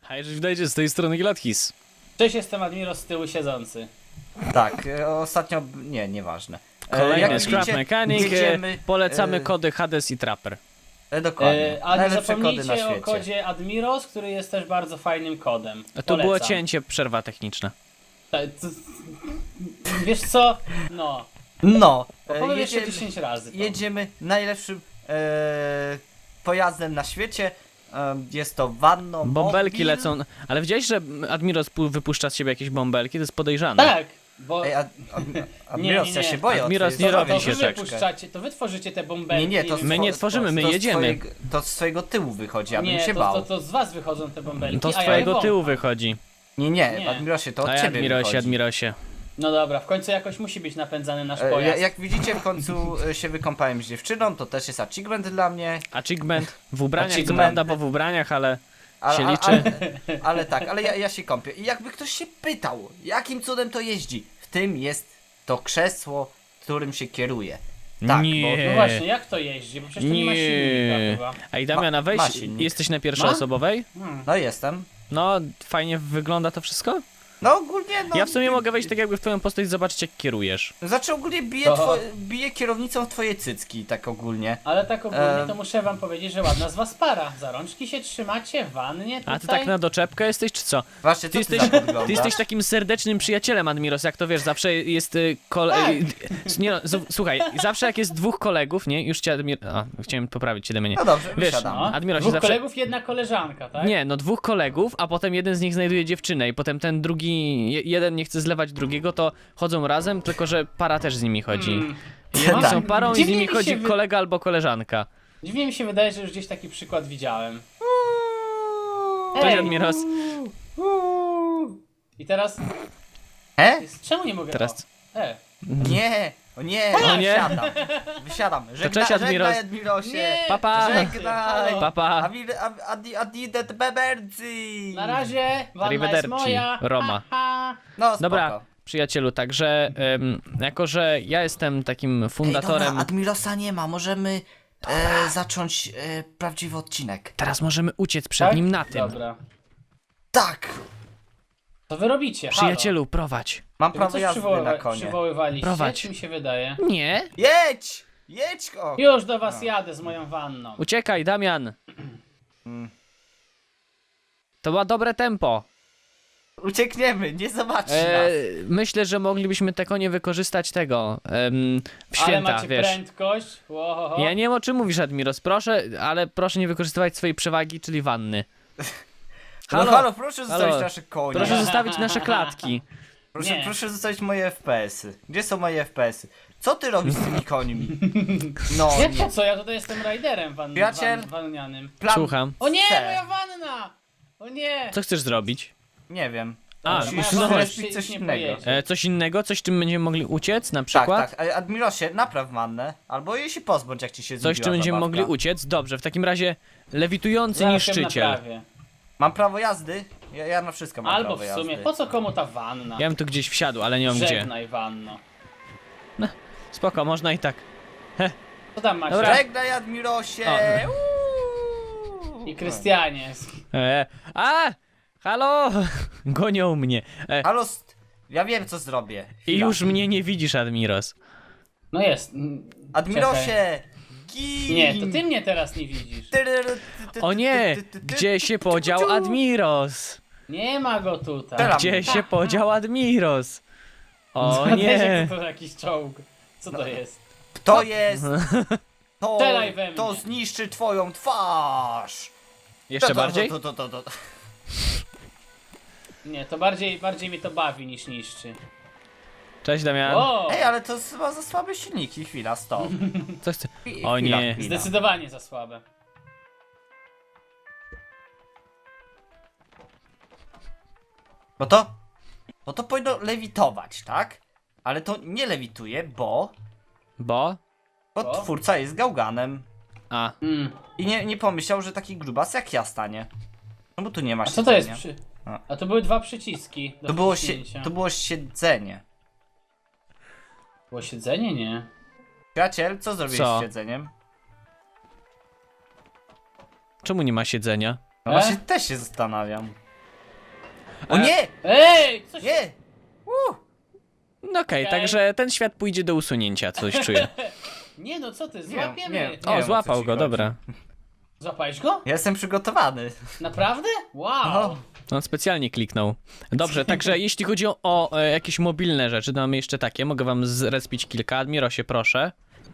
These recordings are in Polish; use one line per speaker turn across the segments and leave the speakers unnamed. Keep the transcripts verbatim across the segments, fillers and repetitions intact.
A jeżeli widać, z tej strony Gilathis.
Cześć, jestem Admiro z tyłu siedzący.
Tak, e, ostatnio... nie, nieważne. E,
Kolejny
jak
Scrap
widzicie,
Mechanic,
jedziemy,
polecamy
e,
kody Hades i Trapper.
E, dokładnie,
E, a nie
najlepsze kody na
zapomnijcie o
świecie.
kodzie Admiros, który jest też bardzo fajnym kodem.
A tu
Polecam.
było cięcie, przerwa techniczna.
Ta- c- Wiesz co? No.
No, e,
Powiem jeszcze
jedziemy,
dziesięć razy. To.
jedziemy najlepszym e, pojazdem na świecie. E, jest to Vanno
Bąbelki
Mobil.
lecą, ale widziałeś, że Admiros pu- wypuszcza z siebie jakieś bąbelki? To jest podejrzane.
Tak, bo...
Ej, ad, ad,
Nie,
Admiros,
nie,
ja
nie.
się boję. o
Admiros
twojej
nie
to,
robi
zdrowie.
to
się
wy
tak.
wypuszczacie, to wy tworzycie te bąbelki.
Nie, nie, to z,
My nie
to-
tworzymy, my
to z
jedziemy.
Twojego, to z swojego tyłu wychodzi, ja bym
Nie,
się
to,
bał.
to, to z was wychodzą te bąbelki,
To z
a ja je
twojego
wącham.
tyłu wychodzi.
Nie, nie,
Nie.
Admirosie, to od
A
ciebie
Admirosie,
wychodzi.
Admirosie.
No dobra, w końcu jakoś musi być napędzany nasz
E, ja,
pojazd.
jak widzicie, w końcu e, się wykąpałem z dziewczyną, to też jest achievement dla mnie.
Achievement w ubraniach, co
Achievement.
prawda, bo w ubraniach, ale
A,
się
a-
liczy.
Ale, ale tak, ale ja, ja się kąpię. I jakby ktoś się pytał, jakim cudem to jeździ, w tym jest to krzesło, którym się kieruje. Tak,
Nie.
No właśnie, jak to jeździ? Bo przecież to nie ma silnika
Nie.
chyba.
Ej, Damiana,
Ma-
weź,
ma silnik.
jesteś na pierwszoosobowej?
Hmm.
bo... No jestem.
No, fajnie wygląda to wszystko?
No ogólnie, no...
Ja w sumie mogę wejść tak jakby w twoją postać i zobaczyć jak kierujesz.
Znaczy ogólnie bije,
To-
two... bije kierownicą w twoje cycki, tak ogólnie.
Ale tak ogólnie
Em.
to muszę wam powiedzieć, że ładna z was para. Za rączki się trzymacie w wannie tutaj.
A ty tak na doczepkę jesteś, czy co?
Właśnie, co
Ty
ty,
jesteś,
za wyglądasz?
ty jesteś takim serdecznym przyjacielem, Admiros, jak to wiesz, zawsze jest y, kole... y, nie no, z- słuchaj, zawsze jak jest dwóch kolegów, nie? Już cię Admir... A, chciałem poprawić cię do mnie.
No dobrze,
Wiesz,
wysiadam.
No.
Admirosie,
Dwóch
zawsze-
kolegów, jedna koleżanka, tak?
Nie, no dwóch kolegów, a potem jeden z nich znajduje dziewczynę i potem ten drugi, je- jeden nie chce zlewać drugiego, to chodzą razem, tylko że para też z nimi chodzi.
Mm.
Jedni
Tak.
są parą i z
Dziwnie
nimi
mi
chodzi
się wy-
kolega albo koleżanka.
Dziwnie mi się wydaje, że już gdzieś taki przykład widziałem.
Cześć,
Ej.
Admiros.
I teraz...
He?
Czemu nie mogę...
Teraz-
O, E.
Nie, o nie,
O nie.
wysiadam. Wysiadam. Żegna,
cześć, Admiros.
żegnaj, Admirosie.
Nie.
Papa.
Żegnaj.
Papa.
Admi- Ad- Adi- Adidet Bebercy.
Na razie, wanna jest
Arrivederci,
moja.
Roma.
Ha, ha.
No spoko.
Dobra, przyjacielu, także em, jako, że ja jestem takim
Ej,
fundatorem...
dobra, Admirosa nie ma, możemy e, zacząć e, prawdziwy odcinek.
Teraz możemy uciec przed
Tak?
nim na tym.
Dobra.
Tak!
Co wy robicie? Halo.
Przyjacielu, prowadź.
Mam
Czy wy
prawo
coś
jazdy
przywoływa-
na konie.
przywoływaliście?
Prowadź.
Czy mi się wydaje?
Nie.
Jedź! Jedź go!
Już do was jadę z moją wanną.
Uciekaj, Damian.
Mm.
To ma dobre tempo.
Uciekniemy, nie zobaczy
E,
nas.
myślę, że moglibyśmy te konie wykorzystać tego em, w
Ale
święta,
macie
wiesz.
prędkość. Łohoho.
Ja nie wiem o czym mówisz, Admiros, proszę, ale proszę nie wykorzystywać swojej przewagi, czyli wanny.
Halo,
halo,
halo, proszę
halo.
zostawić nasze konie.
Proszę zostawić nasze klatki.
Proszę,
Nie.
proszę zostawić moje F P S-y. Gdzie są moje F P S-y? Co ty robisz z tymi końmi? No
Jak to
nie.
co? Ja tutaj jestem rajderem wan,
Przyjaciel?
wan, wannianym.
Plan
Słucham.
O nie,
C.
moja wanna! O nie!
Co chcesz zrobić?
Nie wiem.
A,
Musisz
moja
no
wanna
właśnie.
już
coś
nie
innego.
pojedzie.
E, coś innego? Coś, czym będziemy mogli uciec, na
Tak,
przykład?
tak. A- Admirosie, napraw wannę. Albo jej się pozbądź, jak ci się
Coś,
znudziła
czym będziemy
zabawka.
mogli uciec? Dobrze, w takim razie lewitujący
Zaraz ją
niszczyciel.
naprawię.
Mam prawo jazdy? Ja, ja na wszystko mam
Albo
prawo
w sumie,
jazdy.
po co komu ta wanna?
Ja bym tu gdzieś wsiadł, ale nie mam gdzie.
Żegnaj wanno.
Spoko, można i tak.
Co tam masz?
Dobra.
Żegnaj, Admirosie!
O.
Uuu.
I Krystianie.
E, a! Halo! Gonią mnie. E,
Halo, st- ja wiem co zrobię.
I
Chwila.
już mnie nie widzisz, Admiros.
No jest. mm, czekaj.
Admirosie! Gin!
Nie, to ty mnie teraz nie widzisz.
O nie! Gdzie się podział Admiros?
Nie ma go tutaj.
Teraz.
Gdzie się podział Admiros? O
Weź,
nie!
To jakiś czołg. Co to jest?
To jest... To,
Strzelaj we mnie.
to zniszczy twoją twarz!
Jeszcze
To, to,
bardziej?
To, to, to, to, to.
Nie, to bardziej, bardziej mnie to bawi niż niszczy.
Cześć, Damian.
O!
Ej, ale to jest chyba za słabe silniki. Chwila, stop.
Co chce?
Chwi-
O
chwila,
nie.
chwila.
Zdecydowanie za słabe.
No to... No to powinno lewitować, tak? Ale to nie lewituje, bo...
Bo?
Bo
Bo?
twórca jest gałganem.
A.
Mm.
I nie, nie pomyślał, że taki grubas jak ja stanie. No bo tu nie ma
A co to jest
siedzenia.
przy...
A.
A to były dwa przyciski do
To było, sie...
wciśnięcia.
to było siedzenie.
Było siedzenie? Nie.
Przyjaciel, co zrobiłeś
Co?
z siedzeniem?
Czemu nie ma siedzenia?
No
E?
właśnie też się zastanawiam. O nie!
Ej, coś...
Nie! Uh.
No okej,
Okej.
także ten świat pójdzie do usunięcia, coś czuję.
Nie no, co ty,
Nie,
złapiemy.
nie.
O,
wiem, o
złapał
co ci
go,
chodzi.
dobra.
Złapałeś go?
Ja jestem przygotowany.
Naprawdę? Wow.
O.
On specjalnie kliknął. Dobrze, także jeśli chodzi o, o e, jakieś mobilne rzeczy, to mamy jeszcze takie. Mogę wam zrespić kilka. Admirosie, proszę.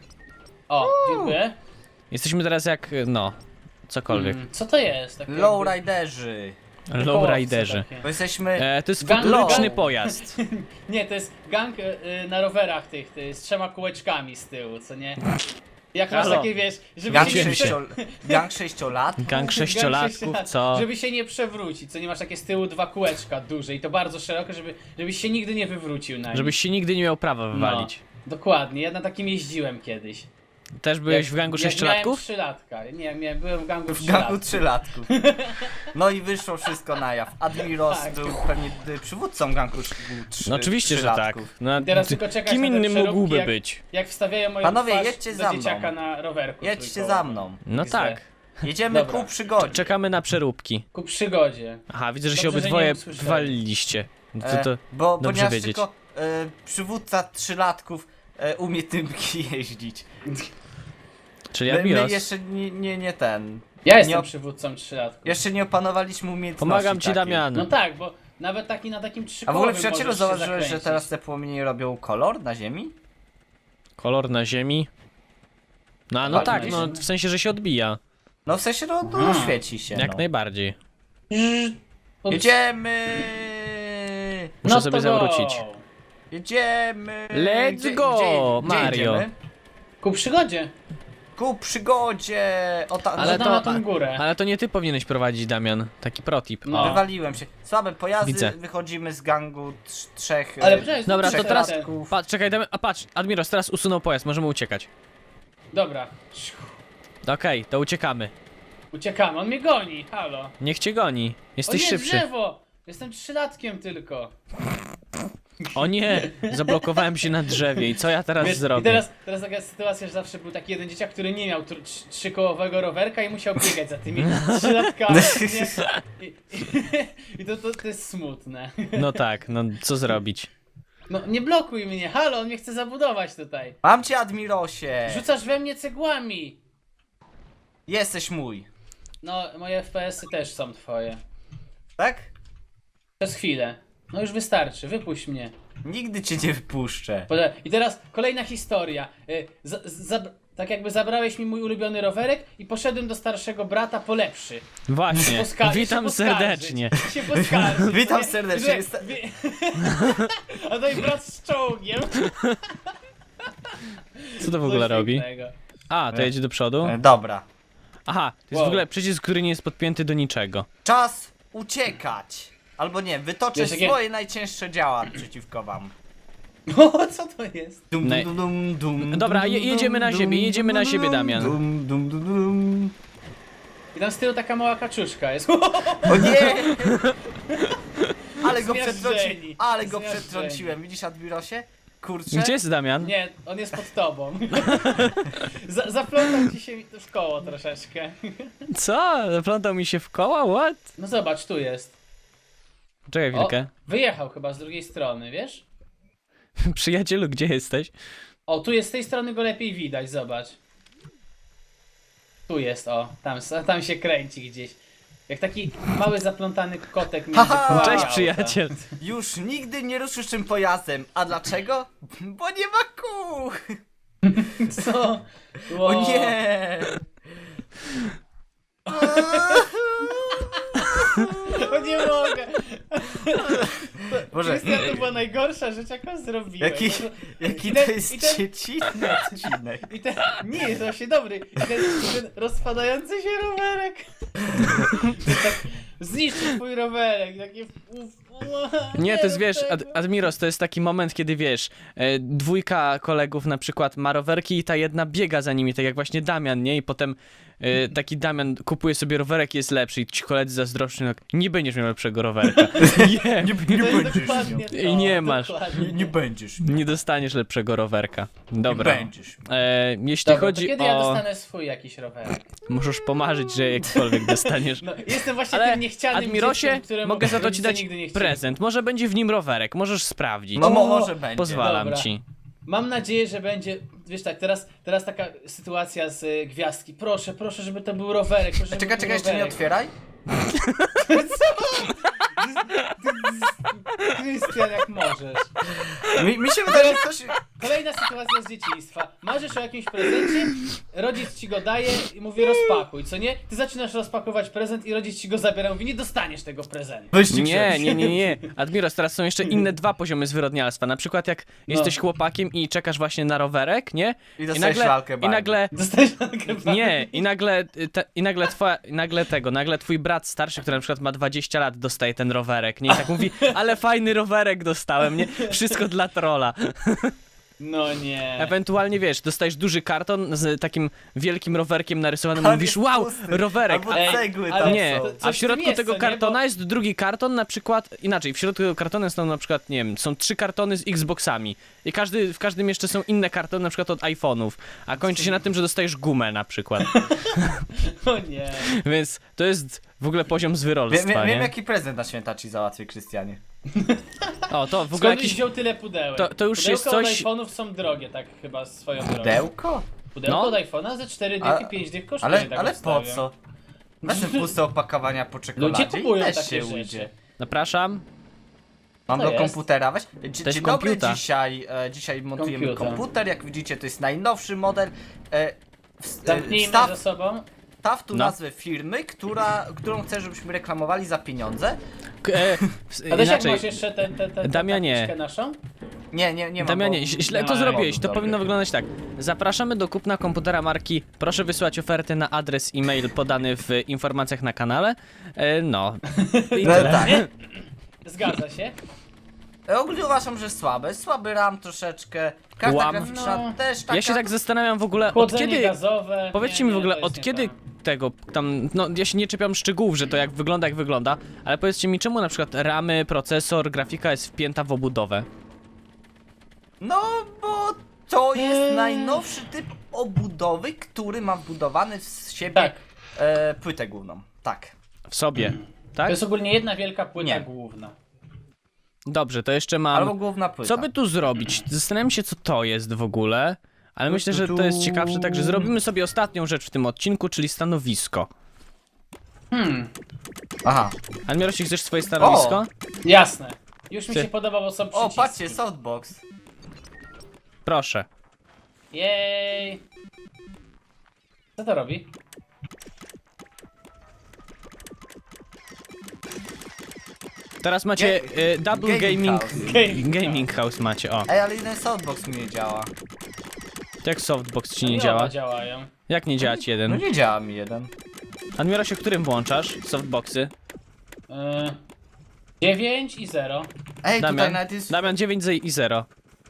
O, dziękuję.
Jesteśmy teraz jak, no, cokolwiek.
Mm, co to jest? Takie jakby-
Lowriderzy.
Lowriderzy.
takie.
Bo jesteśmy...
E, to jest
Gang-
futuryczny
gang-
pojazd.
Nie, to jest gang y, y, na rowerach tych, ty, z trzema kółeczkami z tyłu, co nie? Jak masz
Halo.
takie, wiesz, żeby
Gang,
się nie prze...
sześcio... Gang sześciolat.
Gang sześciolatków,
sześciolat-
co?
Żeby się nie przewrócić, co nie masz takie z tyłu dwa kółeczka duże i to bardzo szerokie, żeby, żebyś się nigdy nie wywrócił na
Żebyś się nigdy nie miał prawa wywalić.
No, dokładnie, ja na takim jeździłem kiedyś.
Też byłeś
Jak-
w gangu
jak
sześciolatków?
Miałem trzylatka. Nie, ja miałem, byłem w gangu
W gangu
trzylatków.
trzylatków. No i wyszło wszystko na jaw. Admiros
Tak.
był pewnie y, przywódcą gangu sz- trzy,
No oczywiście, że tak.
trzylatków.
No,
I teraz
ty-
tylko czekać
kim
na te
innym
przeróbki,
mógłby
jak-
być?
Jak wstawiają moją
Panowie,
twarz
jedźcie
do
za mną.
dzieciaka na rowerku
Jedźcie
trójkołowym.
za mną.
No
X D.
tak.
Jedziemy
Dobra.
ku przygodzie.
Czekamy na przeróbki.
Ku przygodzie.
Aha, widzę, że się
Dobrze, że
obydwoje
nie usłyszeli.
waliliście. No to,
E,
to
bo
dobrze
ponieważ
wiedzieć.
tylko e, przywódca trzylatków e, umie tymki jeździć.
Czyli
My, my
Admiros.
jeszcze nie, nie, nie ten.
Ja jestem
Nie op-
przywódcą trzylatków.
Jeszcze nie opanowaliśmy umiejętności
Pomagam ci,
takiej.
Damian.
No tak, bo nawet taki na takim
A w
trzykołowym
ogóle przyjacielu
możesz się
zauważyłeś, że
zakręcić.
teraz te płomienie robią kolor na ziemi?
Kolor na ziemi. No, a no
Ładnie
tak,
jest.
no w sensie, że się odbija.
No w sensie, no, no
Aha.
świeci się.
Jak
no.
najbardziej.
Ups.
Jedziemy!
Muszę
No
sobie
to
zawrócić.
go.
Jedziemy!
Let's
Gdzie-
go,
gdzie- gdzie
Mario.
jedziemy?
Ku przygodzie.
Ku przygodzie! O ta...
Ale
Ale
to-
to, na tą górę.
Ale to nie ty powinieneś prowadzić, Damian. Taki protip.
No.
O.
Wywaliłem się. Słabe pojazdy,
Widzę.
wychodzimy z gangu trz- trzech...
Ale
e,
poczekaj,
Dobra, to
zróbmy
teraz-
ten-
trzylatków.
Patrz, czekaj, Damian, a patrz, Admiros teraz usunął pojazd, możemy uciekać.
Dobra.
Okej, to uciekamy.
Uciekamy, on mnie goni, halo.
Niech cię goni.
O
Jesteś
nie,
szybszy.
drzewo! Jestem trzylatkiem tylko.
O nie, zablokowałem się na drzewie i co ja teraz
Wiesz,
zrobię?
I teraz, teraz taka sytuacja, że zawsze był taki jeden dzieciak, który nie miał tr- trz- trzykołowego rowerka i musiał biegać za tymi trzylatkami. nie? I, i, i to, to, to jest smutne.
No tak, no co zrobić?
No nie blokuj mnie, halo, on mnie chce zabudować tutaj.
Mam cię, Admirosie!
Rzucasz we mnie cegłami.
Jesteś mój.
No, moje F P S-y też są twoje.
Tak?
Przez chwilę. No już wystarczy, wypuść mnie.
Nigdy cię nie wypuszczę.
Poczekaj, I teraz kolejna historia. Y, za- za- tak jakby zabrałeś mi mój ulubiony rowerek i poszedłem do starszego brata po lepszy.
Właśnie,
Poska-
witam
się poskarżyć,
serdecznie.
Się poskarżyć.
Witam
Nie?
serdecznie,
Że-
jest-
wie- A to i brat z czołgiem.
Co to w ogóle
Coś
robi?
pięknego.
A, to jedzie do przodu?
E, Dobra.
Aha, to jest
Wow.
w ogóle przycisk, który nie jest podpięty do niczego.
Czas uciekać. Albo nie, wytoczę
Wiesz, jakie-
swoje najcięższe działa przeciwko wam.
O, co to jest?
Dum,
Nej-
dum, dum, dum,
Dobra,
dum,
je-
dum,
jedziemy na
dum,
siebie,
dum,
jedziemy na
dum,
siebie, Damian.
Dum, dum, dum, dum.
I tam z tyłu taka mała kaczuszka jest.
O nie! Ale go
Zmiażdżeni.
przetrąciłem, ale go
Zmiażdżeni.
przetrąciłem. Widzisz, Admirosie? Kurczę.
Gdzie jest Damian?
Nie, on jest pod tobą. Za, zaplątał ci się w koło troszeczkę.
Co? Zaplątał mi się w koła? What?
No zobacz, tu jest.
Czekaj
O,
chwilkę.
wyjechał chyba z drugiej strony, wiesz?
Przyjacielu, gdzie jesteś?
O, tu jest z tej strony go lepiej widać, zobacz. Tu jest, o, tam, tam się kręci gdzieś. Jak taki mały zaplątany kotek między
Haha!
kołami
Cześć
auta.
przyjaciel.
Już nigdy nie ruszysz tym pojazdem. A dlaczego? Bo nie ma kół!
Co?
O nie!
O nie mogę!
Boże,
Krystian, to była najgorsza rzecz, jaką zrobiłem.
jaki,
No to-
jaki
i
to
ten-
jest
i ten-
dziecinny odcinek.
I ten, nie, jest właśnie dobry. I ten, ten rozpadający się rowerek. Tak zniszczył twój rowerek. Takie uf,
Nie, to jest, wiesz, Ad Admiros, to jest taki moment, kiedy, wiesz, e, dwójka kolegów na przykład ma rowerki i ta jedna biega za nimi, tak jak właśnie Damian, nie? I potem e, taki Damian kupuje sobie rowerek i jest lepszy i ci koledzy zazdroszczą, no, nie będziesz miał lepszego rowerka. Nie,
Nie,
To
nie
jest
będziesz
dokładnie
miał.
to,
I nie masz.
dokładnie.
Nie, nie będziesz miał.
nie dostaniesz lepszego rowerka. Dobra.
Nie będziesz miał.
E, jeśli
Dobra,
chodzi
to kiedy
o...
ja dostanę swój jakiś rowerek?
Możesz pomarzyć, że jakkolwiek dostaniesz.
No, jestem właśnie
Ale
tym niechcianym
Admirosie,
dzieckiem, któremu
mogę za to ci
rodzice
dać
nigdy nie chcieli.
prezent. Może będzie w nim rowerek, możesz sprawdzić.
No mo-
O,
może będzie.
Pozwalam
dobra.
ci.
Mam nadzieję, że będzie, wiesz tak, teraz, teraz taka sytuacja z y, gwiazdki. Proszę, proszę, żeby to był rowerek. Proszę, żeby
Czekaj,
był
czekaj, jeszcze nie
rowerek.
otwieraj.
Krystian, jak możesz.
Mi, mi się wydaje, że ktoś...
Kolejna sytuacja z dzieciństwa. Marzysz o jakimś prezencie, rodzic ci go daje i mówi rozpakuj, co nie? Ty zaczynasz rozpakować prezent i rodzic ci go zabiera, mówi nie dostaniesz tego prezentu.
Wyścig
Nie,
się.
nie, nie, nie. Admiros, teraz są jeszcze inne dwa poziomy zwyrodnialstwa. Na przykład jak jesteś chłopakiem i czekasz właśnie na rowerek, nie?
I dostajesz lalkę
I
bani.
nagle...
Dostajesz na
Nie, i nagle, y, te, i nagle twoja, i nagle tego, nagle twój brat starszy, który na przykład ma dwadzieścia lat, dostaje ten rowerek, nie? I tak mówi, ale fajny rowerek dostałem, nie? Wszystko dla trolla.
No nie.
Ewentualnie, wiesz, dostajesz duży karton z takim wielkim rowerkiem narysowanym,
Ale
mówisz,
jest
wow,
pusty.
rowerek.
Albo
Ej,
cegły
ale
tam
Nie,
są.
to-
a
coś
w
w
środku
tym jest,
tego
co nie?
kartona
Bo-
jest drugi karton, na przykład, inaczej, w środku tego kartona są na przykład, nie wiem, są trzy kartony z Xboxami i każdy, w każdym jeszcze są inne kartony, na przykład od iPhone'ów, a kończy się na tym, że dostajesz gumę na przykład,
O nie.
więc to jest w ogóle poziom
Wiem,
zwyrolstwa,
wiem, wiem
nie?
jaki prezent na święta ci załatwię, Krystianie.
O, to w ogóle
Skąd
jakiś...
wziął tyle pudełek?
To- to już
Pudełka
jest coś-
od iPhone'ów są drogie, tak chyba swoją drogą.
Pudełko?
Pudełko
No.
od iPhone'a ze cztery
A-
dychy, pięć dych kosztuje,
Ale,
tak
ale po
obstawiam.
co? Wezmę puste opakowania po czekoladzie
Ludzie kupują
i też
takie
się
rzeczy.
ujdzie.
Zapraszam.
Mam
Co
do
jest?
komputera, weź. Dzie-
Też
Dzień dobry,
komputer.
dzisiaj, e, dzisiaj montujemy
Komputer.
komputer, jak widzicie to jest najnowszy model. E, w, e,
Zamknijmy
wstaw,
ze sobą.
wstaw tu
No.
nazwę firmy, która, którą chcę, żebyśmy reklamowali za pieniądze.
K- E, w-
A też jak
inaczej,
masz jeszcze tę te, te, te,
Damianie.
tabliczkę naszą?
Nie, nie, nie mam.
Damianie,
bo-
ź- źle
nie
to
mam
zrobiłeś, to
powodu
powinno
dobrych.
wyglądać tak. Zapraszamy do kupna komputera marki, proszę wysłać ofertę na adres e-mail podany w informacjach na kanale. E, no. I
No
tyle.
tak.
Zgadza się.
E, Ogólnie uważam, że słabe. Słaby RAM troszeczkę. Karta
Łam.
graficzna
No.
też taka.
Ja się tak zastanawiam w ogóle, od
Chłodzenie
kiedy...
gazowe.
Powiedzcie
nie,
mi w
nie,
ogóle,
to jest
od
nie
kiedy
to.
tego tam, no ja się nie czepiam szczegółów, że to jak wygląda, jak wygląda, ale powiedzcie mi, czemu na przykład ramy, procesor, grafika jest wpięta w obudowę?
No, bo to jest
Eee.
najnowszy typ obudowy, który ma wbudowany w siebie
Tak.
e, płytę główną. Tak.
W sobie,
To
tak?
jest ogólnie jedna wielka płyta
Nie.
główna.
Dobrze, to jeszcze mam...
Albo główna płyta.
Co by tu zrobić? Zastanawiam się, co to jest w ogóle, ale
Tu,
myślę,
tu,
że to jest
tu.
ciekawsze, także zrobimy sobie ostatnią rzecz w tym odcinku, czyli stanowisko.
Hmm,
Aha.
Admirosie, chcesz swoje stanowisko?
jasne. Już mi
Ty.
się podoba, bo są
O,
przyciski.
patrzcie, softbox.
Proszę.
Jej. Co to robi?
Teraz macie
Ga-
y, double
gaming
gaming,
house.
Gaming
gaming house macie, o.
Ej, ale jeden softbox mi nie działa.
Jak softbox ci nie
Oba
działa?
działają.
Jak nie działa ci
No
jeden?
nie działa mi jeden.
Admirosie, którym włączasz softboxy?
Yy, dziewięć i zero.
Ej, tutaj
Damian,
nawet jest...
Damian dziewięć i zero.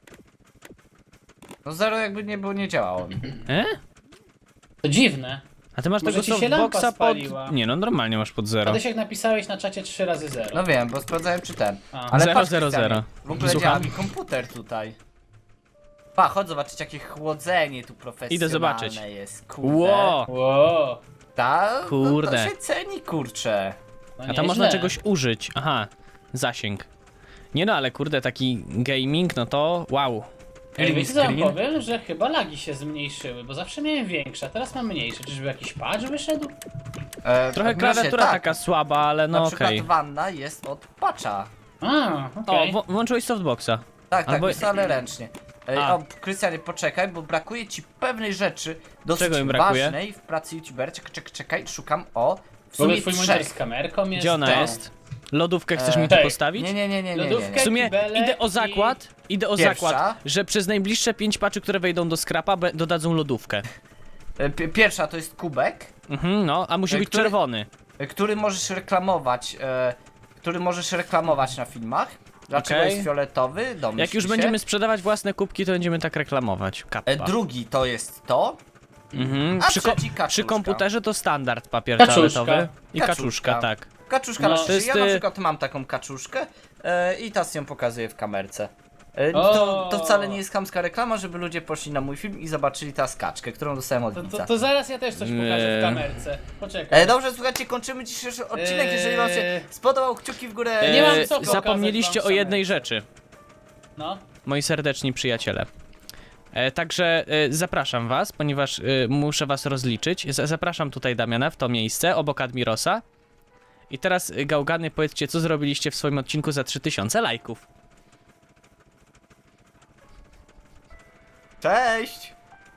No zero jakby nie było, nie działało mi.
E?
To dziwne.
A ty masz
Może
tego
ci się lampa
softboxa
spaliła.
pod... Nie no, normalnie masz pod zero.
Adesiek napisałeś na czacie trzy razy zero.
No wiem, bo sprawdzałem czy ten.
A.
Ale
Zero,
patrz,
zero,
Krystianie,
zero.
W ogóle
Słucham?
działa mi komputer tutaj. Pa, chodź zobaczyć jakie chłodzenie tu profesjonalne
Idę zobaczyć.
jest. Kurde.
Ło!
Wow.
Ta,
Kurde.
No to się ceni, kurczę.
No
A tam
nieźle.
można czegoś użyć. Aha, zasięg. Nie no, ale kurde, taki gaming, no to wow.
Ej,
Green
wiecie co wam
screen?
powiem? Że chyba lagi się zmniejszyły, bo zawsze miałem większe, a teraz mam mniejsze. Czyżby jakiś patch wyszedł?
E,
Trochę
w
klawiatura
tak.
taka słaba, ale no
Na
okej.
przykład wanna jest od patcha.
A,
O,
okej.
wło- włączyłeś softboxa.
Tak, tak,
Albo-
jest, ale ręcznie. Ej,
A.
o, Krystianie, poczekaj, bo brakuje ci pewnej rzeczy dosyć
Czego im brakuje?
ważnej w pracy youtubera. Czekaj, czekaj, czekaj, szukam o. W
W ogóle
sumie
twój monitor z
trzech.
kamerką jest...
Gdzie ona
to.
jest? Lodówkę chcesz
E,
mi tu
tak.
postawić?
Nie, nie, nie, nie, nie, nie,
Lodówkę?
nie.
W sumie
kibele
idę o
i-
zakład, idę o
Pierwsza.
zakład, że przez najbliższe pięć paczy, które wejdą do skrapa, be- dodadzą lodówkę.
E, pi- Pierwsza to jest kubek,
Mhm, no, a musi
E,
być
który-
czerwony.
e, który możesz reklamować. E, który możesz reklamować na filmach. Dlaczego
Okej.
jest fioletowy? Domyśl
Jak już
się.
będziemy sprzedawać własne kubki, to będziemy tak reklamować. Kappa.
E, drugi to jest to.
Mhm.
A
Przy, ko-
trzeci kaczuszka.
przy komputerze to standard papier
Kaczuszka.
toaletowy i
Kaczuszka.
kaczuszka, tak.
Kaczuszka
No.
na
To jest,
Ja na
y-
przykład mam taką kaczuszkę e, i teraz ją pokazuję w kamerce. E,
O!
to, to wcale nie jest chamska reklama, żeby ludzie poszli na mój film i zobaczyli tę skaczkę, którą dostałem od
To,
widza.
to, to zaraz ja też coś pokażę
Nie.
w kamerce. Poczekaj.
E, dobrze, słuchajcie, kończymy dzisiejszy odcinek.
Eee.
Jeżeli wam się spodobał, kciuki w górę.
Nie mam
E,
co pokazać
Zapomnieliście
wam
o
w
jednej
kamerce.
rzeczy,
No.
moi serdeczni przyjaciele. E, także e, zapraszam was, ponieważ e, muszę was rozliczyć. Z- zapraszam tutaj Damiana w to miejsce, obok Admirosa. I teraz, e, gałgany, powiedzcie, co zrobiliście w swoim odcinku za trzy tysiące lajków.
Cześć!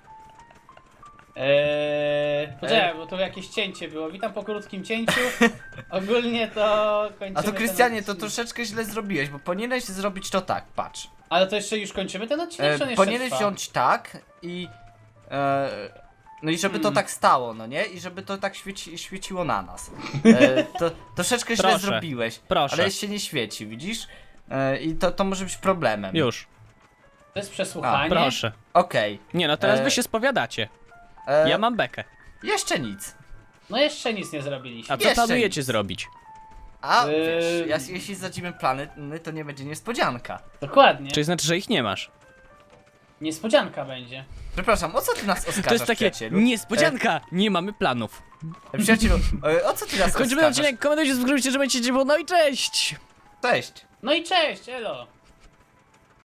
Eee, poczekaj, bo tu jakieś cięcie było. Witam po krótkim cięciu. Ogólnie to kończymy
A to
ten
Krystianie, to
odcinek.
troszeczkę źle zrobiłeś, bo powinieneś zrobić to tak, patrz.
Ale to jeszcze już kończymy ten odcinek, czy on
E,
jeszcze
powinieneś
trwa?
wziąć tak i... E, no i żeby to
Hmm.
tak stało, no nie? I żeby to tak świeci, świeciło na nas. E, to troszeczkę źle
Proszę.
zrobiłeś.
Proszę.
Ale się nie świeci, widzisz? E, I to, to może być problemem.
Już,
To jest przesłuchanie?
proszę.
Okej.
Nie no, teraz
E,
wy się spowiadacie.
E,
Ja mam bekę.
Jeszcze nic.
No jeszcze nic nie zrobiliśmy.
A co
jeszcze
planujecie
nic.
zrobić?
A
Eee.
wiesz, jas- jeśli zadzimy plany, no to nie będzie niespodzianka.
Dokładnie.
Czyli znaczy, że ich nie masz.
Niespodzianka będzie.
Przepraszam, o co ty nas oskarżasz,
To jest takie
przyjacielu?
niespodzianka, nie mamy planów.
E, przyjacielu, e, o co ty nas
Kończymy
oskarżasz?
odcinek, komentujcie, subskrybujcie, że będziecie, no i cześć!
Cześć.
No i cześć, elo!